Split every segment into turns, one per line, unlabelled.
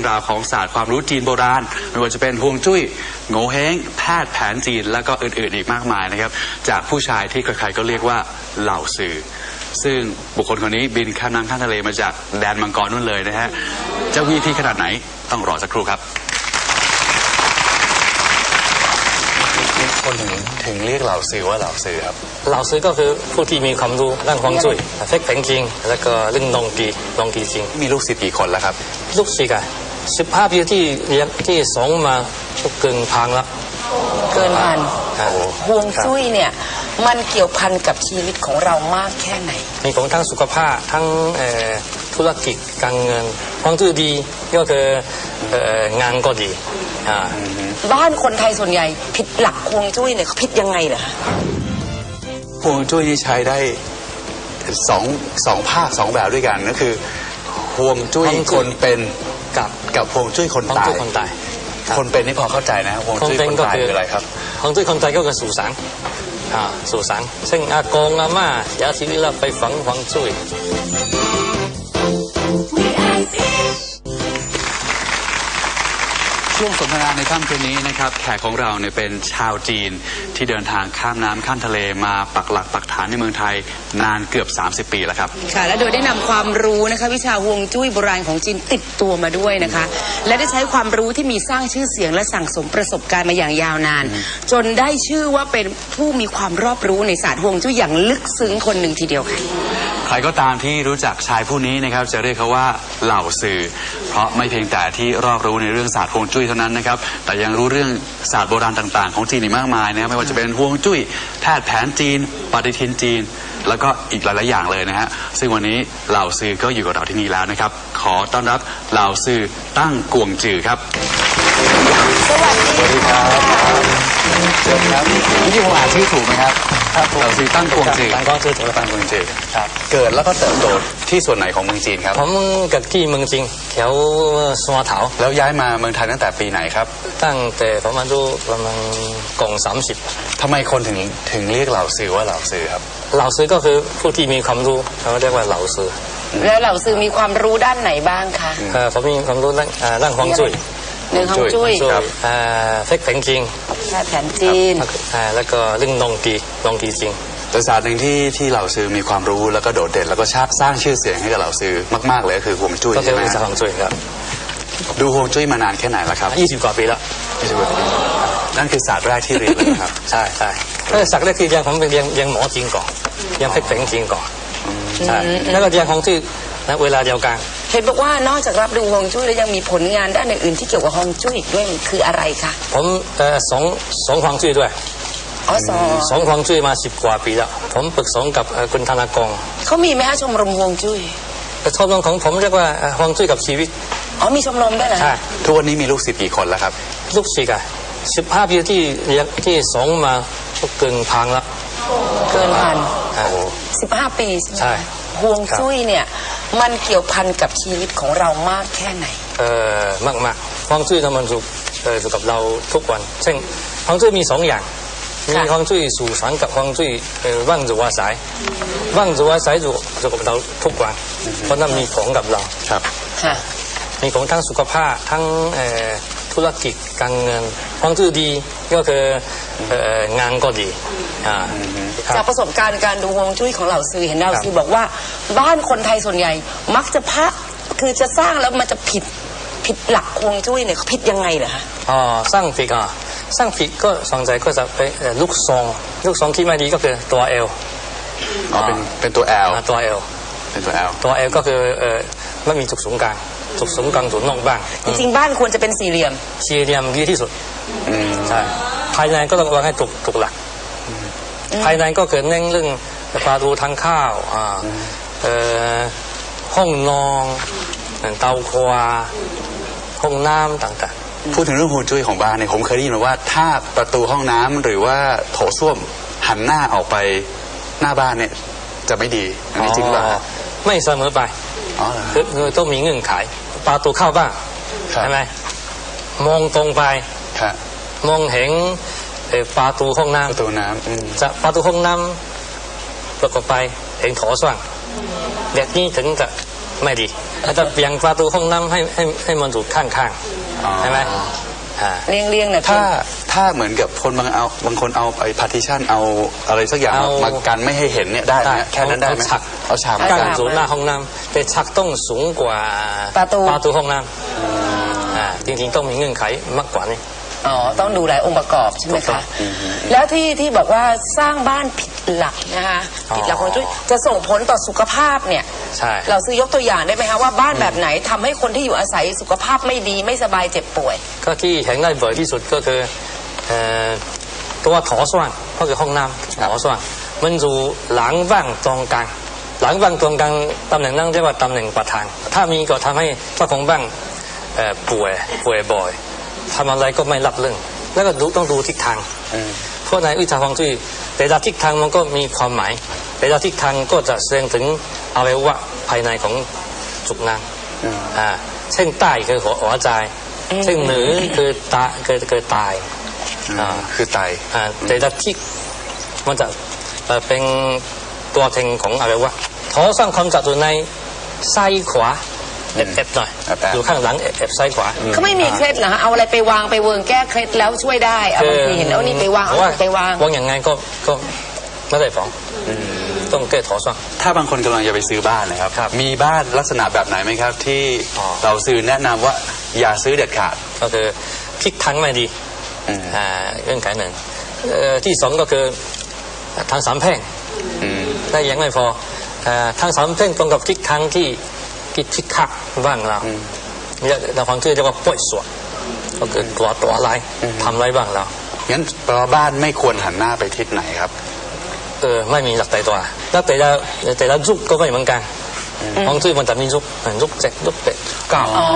ราวของศาสตร์ความรู้จีนโบราณไม่ว่าจะเป็นฮวงจุ้ยโง่เฮงแพทย์แผนจีนแล้วก็อื่นๆอีกมากมายนะครับจากผู้ชายที่ใครๆก็เรียกว่าเหล่าสื่อซึ่งบุคคลคนนี้บินข้ามน้ำข้ามทะเลมาจากแดนมังกรนู่นเลยนะฮะจะวีที่ขนาดไหนต้องรอสักครู่ครับคนถึงเรียกเหล่าสื่อว่าเหล่าสื่อครับ
เหล่าสื่อก็คือผู้ที่มีความรู้ด้านฮวงจุ้ยเฟกแผงจริงแล้วก็เรื่องนงกีจริง
มีลูกศิษย์กี่คนแล้วครับ
ลูกศิษย์15 ปีที่เรียนที่สองมาเกินพันแล้ว
เกินพันฮวงจุ้ยเนี่ยมันเกี่ยวพันกับชีวิตของเรามากแค่ไหน
มีของทั้งสุขภาพทั้งธุรกิจการเงินฮวงจุ้ยดีก็คืองานก็ดี
บ้านคนไทยส่วนใหญ่ผิดหลักฮวงจุ้ยเนี่ยเขาผิดยังไงเหรอ
ฮวงจุ้ยนี่ใช้ได้สองภาค2แบบด้วยกันก็คือฮวงจุ้ยคนเป็นกับฮวงจุ้ยคนตายคนเป็นนี่พอเข้าใจนะฮวงจุ้ยคนตายคืออะไรครับ
ฮวงจุ้ยคนตายก็คือสู่สังสู่สังซึ่งอากงอาม่าเสียชีวิตแล้วไปฝังฮวงจุ้ย
ช่วงสนทนาในค่ำคืนนี้นะครับแขกของเราเนี่ยเป็นชาวจีนที่เดินทางข้ามน้ำข้ามทะเลมาปักหลักปักฐานในเมืองไทยนานเกือบ30 ปีแล้วครับ
ค่ะและโดยได้นำความรู้นะคะวิชาฮวงจุ้ยโบราณของจีนติดตัวมาด้วยนะคะและได้ใช้ความรู้ที่มีสร้างชื่อเสียงและสั่งสมประสบการณ์มาอย่างยาวนานจนได้ชื่อว่าเป็นผู้มีความรอบรู้ในศาสตร์ฮวงจุ้ยอย่างลึกซึ้งคนหนึ่งทีเดียวค่ะ
ใครก็ตามที่รู้จักชายผู้นี้นะครับจะเรียกเขาว่าเหล่าสื่อเพราะไม่เพียงแต่ที่รอบรู้ในเรื่องศาสตร์ฮวงจุ้ยเท่านั้นนะครับแต่ยังรู้เรื่องศาสตร์โบราณต่างๆของจีนอีกมากมายนะครับไม่ว่าจะเป็นฮวงจุ้ยแพทย์แผนจีนปฏิทินจีนแล้วก็อีกหลายๆอย่างเลยนะฮะซึ่งวันนี้เหล่าสื่อก็อยู่กับเราที่นี่แล้วนะครับขอต้อนรับเหล่าสื่อตั้งกวงจือครับ
สวัสดีครับ
เชิญครับนี่ผมอ่านชื่อถูกไหมครับเหล่าสื่อตั้งกวงจือ
ตั้งกวงจือถูก
ตั้งกวงจือครับเกิดแล้วก็เติบโตที่ส่วนไหนของเมืองจีนครับ
ผมเกิดที่เมืองจีนแถวสวนเถา
แล้วย้ายมาเมืองไทยตั้งแต่ปีไหนครับ
ตั้งแต่ประมาณกง30ทำไม
คนถึงเรียกเหล่าสื่อว่าเหล่าสื่อครับ
เหล่าสื่อก็คือผู้ที่มีความรู้เขาเรียกว่าเหล่าสื่อ
แล้วเหล่าสื่อมีความรู้ด้านไหนบ้างคะ
ผมมีความรู้ด้านฮวงจุ้ย
เรื่องฮวงจุ้ย
เฟกแผงจริง
แผนจีน
แล้วก็เรื่องนงกีจริง
ศาสตร์หนึ่งที่เหล่าสื่อมีความรู้แล้วก็โดดเด่นแล้วก็สร้างชื่อเสียงให้กับเหล่าสื่อมากๆเลยก็คือฮวงจุ้ย
ใช่ไหมฮวงจุ้ยครับ
ดูฮวงจุ้ยมานานแค่ไหนแล้วครับ
20 กว่าปีแล้ว
20 กว่าปีนั่นคือศาสตร์แรกที่เรียนเลยครับ
ใช่ศาสตร์แรกคือผมเป็นเรียนหมอจีนก่อนเรียนเฟกแผงจีนก่อนใช่แล้วก็เรียนฮวงจุ้ยในเวลาเดียวกัน
เห็นบอกว่านอกจากรับดูฮวงจุ้ยแล้วยังมีผลงานด้านอื่นๆที่เกี่ยวกับฮวงจุ้ยด้วยคืออะไรคะ
ผมสองฮวงจุ้ยด้วยสองฮวงจุ้ยมา10 กว่าปีแล้วผมปรึกษากับคุณธนากร
เขามีไหมฮะชมรมฮวงจุ้ย
ชมรมของผมเรียกว่าฮวงจุ้ยกับชีวิต
มีชมรมด้วยเหรอ
ใช่
ทุกวันนี้มีลูกศิษย์กี่คนแล้วครับ
ลูกศิษย์15 ปีที่เรียนที่สองมาเกินพันแล้ว
เกินพัน15 ปีใช่ฮวงจุ้ยเนี่ยมันเกี่ยวพันกับชีวิตของเรามากแค่ไหน
มากฮวงจุ้ยทำมันอยู่กับเราทุกวันเช่นฮวงจุ้ยมี2 อย่างมีฮวงจุ้ยสู่สังกับฮวงจุ้ยว่างจุวาสายว่างจุวาสายอยู่กับเราทุกวันเพราะนั้นมีผลกับเรา
ครับ
มีผลทั้งสุขภาพทั้งธุรกิจการเงินฮวงจุ้ยดีก็คืองานก็ดี
จากประสบการณ์การดูฮวงจุ้ยของเหล่าซื้อเห็นเหล่าซื้อบอกว่าบ้านคนไทยส่วนใหญ่มักจะคือจะสร้างแล้วมันจะผิดหลักฮวงจุ้ยเนี่ยเขาผิดยังไงเหรอคะ
สร้างผิดก็สองใจก็จะไปลูกซองที่ไม่ดีก็คือตัว L
เป็นตัว L
ตัว L
เป็นตัว L
ตัว L ก็คือไม่มีจุดศูนย์กลางจุดนอกบ้าง
จริงๆบ้านควรจะเป็นสี่เหลี่ยม
ดีที่สุดใช่ภายในก็ต้องวางให้ถูกหลักภายในก็เกิดเน้นเรื่องประตูทางเข้าห้องนอนเตาครัวห้องน้ำต่าง
ๆพูดถึงเรื่องฮวงจุ้ยของบ้านเนี่ยผมเคยได้ยินมาว่าถ้าประตูห้องน้ำหรือว่าโถส้วมหันหน้าออกไปหน้าบ้านเนี่ยจะไม่ดีอันนี้จริงหรือเปล่า
ไม่เสมอไปคือต้องมีเงื่อนไขประตูเข้าบ้านใช่ไหมมองตรงไปมองเห็นประตูห้องน้ำจะประตูห้องน้ำประกอบไปเห็นโถส้วมแบบนี้ถึงจะไม่ดีอาจจะเปลี่ยนประตูห้องน้ำให้มันอยู่ข้างๆใช่ไหม
เลี่ยงๆนะ
ถ้าเหมือนกับคนบางคนเอาไอ้ partition เอาอะไรสักอย่างมากันไม่ให้เห็นเนี่ยได้ไหมแค่นั้นได้ไหมเอาฉาก
กั้นอยู่หน้าห้องน้ำแต่ฉากต้องสูงกว่าประตูห้องน้ำจริงๆต้องมีเงื่อนไขมากกว่านี้
อ๋อต้องดูหลายองค์ประกอบใช่ไหมคะแล้วที่บอกว่าสร้างบ้านผิดหลักนะคะผิดหลักของจุ้ยจะส่งผลต่อสุขภาพเนี่ย
ใช่
เราซื้อยกตัวอย่างได้ไหมคะว่าบ้านแบบไหนทำให้คนที่อยู่อาศัยสุขภาพไม่ดีไม่สบายเจ็บป่วย
ก็ที่เห็นได้บ่อยที่สุดก็คือตัวถอส่วนก็คือห้องน้ำถอส่วนมันอยู่หลังบ้างตรงกลางหลังบ้างตรงกลางตำแหน่งนั่งเรียกว่าตำแหน่งประธานถ้ามีก็ทำให้เจ้าของบ้านป่วยบ่อยทำอะไรก็ไม่รับเรื่องแล้วก็ต้องดูทิศทางเพราะในวิชาฮวงจุ้ยแต่ละทิศทางมันก็มีความหมายแต่ละทิศทางก็จะแสดงถึงอวัยวะภายในของจุกนางเช่นใต้คือหัวใจเช่นเหนือคือตาคือตาย
คือไต
แต่ละทิศมันจะเป็นตัวแทนของอวัยวะท้อสร้างความจัดอยู่ในซ้ายขวาเอฟหน่อยอยู่ข้างหลังเอฟซ้ายขวา
เขาไม่มีเคล็ดเหรอฮะเอาอะไรไปวางไปเวิร์งแก้เคล็ดแล้วช่วยได้เอาบางทีเห็นเอานี่ไปวางเอาไปวาง
อย่างไงก็ไม่ได้ฟ้องต้องแก้ถอซ่ง
ถ้าบางคนกำลังจะไปซื้อบ้านนะครับมีบ้านลักษณะแบบไหนไหมครับที่เราซื้อแนะนำว่าอย่าซื้อเด็ดขาด
ก็คือทิศทางไม่ดีเงื่อนไขหนึ่งที่สองก็คือทางสามแพร่งได้ยังไม่พอทางสามแพร่งตรงกับทิศทางที่ทิศคักบ้างเราเนี่ยเราความเชื่อเรียกว่าป่วยสวดก็คือตัวอะไรทำอะไรบ้างเรา
งั้นแปลว่าบ้านไม่ควรหันหน้าไปทิศไหนครับ
ไม่มีหลักใจตัวแล้วแต่ละยุคก็ไม่เหมือนกันฮวงจุ้ยมันจะมียุค7ยุค8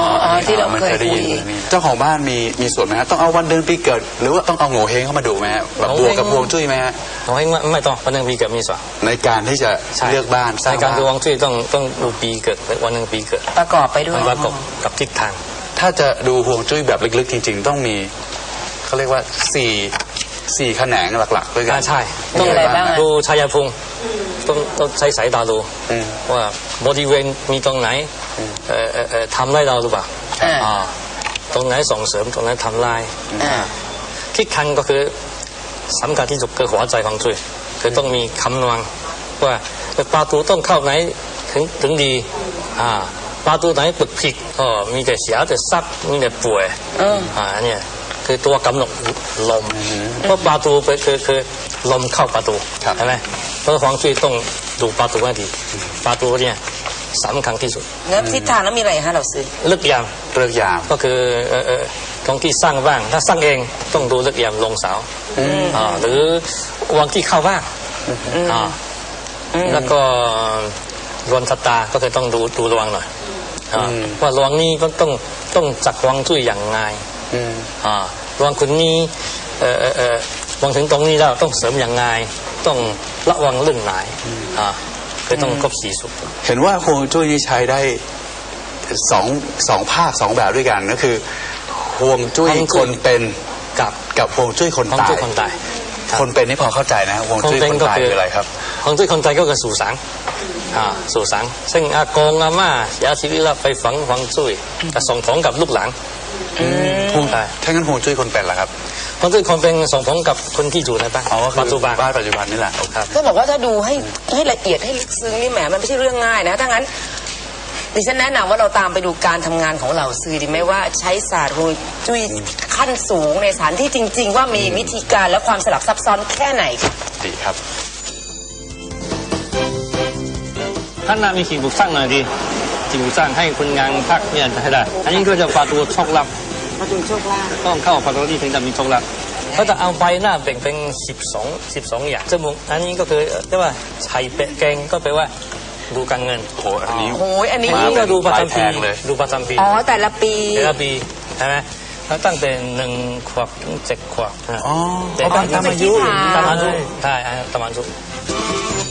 9ที่เราเคย
ได้ยินเจ้าของบ้านมีส่วนไหมฮะต้องเอาวันเดือนปีเกิดหรือว่าต้องเอาโง่เฮงเข้ามาดูไหมฮะแบบบวกกับฮวงจุ้ยไหมฮะ
โง่เฮงไม่ต้องวันเดือนปีเกิดมีส่วน
ในการที่จะเลือกบ้าน
ในการดูฮวงจุ้ยต้องดูปีเกิดวันเดือนปีเกิด
ประกอบไปด้วย
ประกอบกับทิศทาง
ถ้าจะดูฮวงจุ้ยแบบลึกๆจริงๆต้องมีเขาเรียกว่า4แขนงหลักๆด้วยกัน
ใช่
ต้องอะไรบ้าง
ดูชายภูมิต้องใช้สายตาดูว่าบริเวณมีตรงไหนทำได้เราหรือเปล่าตรงไหนส่งเสริมตรงไหนทำลายทิศทางก็คือสำคัญที่สุดคือหัวใจของจุ้ยคือต้องมีคำนวณว่าประตูต้องเข้าไหนถึงดีประตูไหนปึกผิดมีแต่เสียแต่ซักมีแต่ป่วยเนี่ยคือตัวกำหนดลมเพราะประตูคือลมเข้าประตูใช่ไหมเพราะฮวงจุ้ยต้องดูประตูให้ดีประตูเนี่ยสำคัญที่สุด
แล้วทิศทางแล้วมีอะไรฮะเราซื้อ
เลือกยามก็คือตรงที่สร้างบ้างถ้าสร้างเองต้องดูเลือกยามลงเสาหรือวางที่เข้าบ้างแล้วก็รวนชะตาก็คือต้องดูระวังหน่อยว่าระวังนี้ก็ต้องจัดฮวงจุ้ยอย่างไงระวังคนนี้วางถึงตรงนี้แล้วต้องเสริมอย่างไงต้องระวังเรื่องไหนคือต้องครบ4สุด
เห็นว่าฮวงจุ้ยนี้ใช้ได้สองภาค2แบบด้วยกันก็คือฮวงจุ้ยคนเป็นกับฮวงจุ้ยคนตายคนเป็นนี่พอเข้าใจนะฮวงจุ้ยคนตายคืออะไรครับ
ฮวงจุ้ยคนตายก็คือสู่สังซึ่งอากงอาม่าเสียชีวิตแล้วไปฝังฮวงจุ้ยจะส่งของกับลูกหลาน
ถ้างั้นฮวงจุ้ยคนเป็นล่ะครับ
ฮวงจุ้ยคนเป็นส่งของกับคนที่อยู่ในบ้าน
ปัจจุบันนี่แหละ
ก็บอกว่าถ้าดูให้ละเอียดให้ลึกซึ้งนี่แหมมันไม่ใช่เรื่องง่ายนะถ้างั้นดิฉันแนะนำว่าเราตามไปดูการทำงานของเหล่าซื้อดีไหมว่าใช้ศาสตร์ฮวงจุ้ยขั้นสูงในสถานที่จริงๆว่ามีวิธีการและความสลับซับซ้อนแค่ไหน
ดีครับ
ท่านน่ามีสิ่งปลูกสร้างหน่อยดีสิ่งปลูกสร้างให้คนงานพักเนี่ยให้ได้อันนี้ก็จะประตูโชคลาภต้องเข้าประตูที่ถึงจะมีโชคลาภเขาจะเอาใบหน้าแบ่งเป็น12อย่างจมูกอันนี้ก็คือเรียกว่าไข่เป็ดแกงก็แปลว่าดูการเงิน
อัน
นี้
ก็ดูประจำปีดูประจำปี
แต่ละปี
ใช่ไหมแล้วตั้งแต่1 ขวบถึง7 ขวบ
แต่ตามอายุ
ใช่ตามอายุ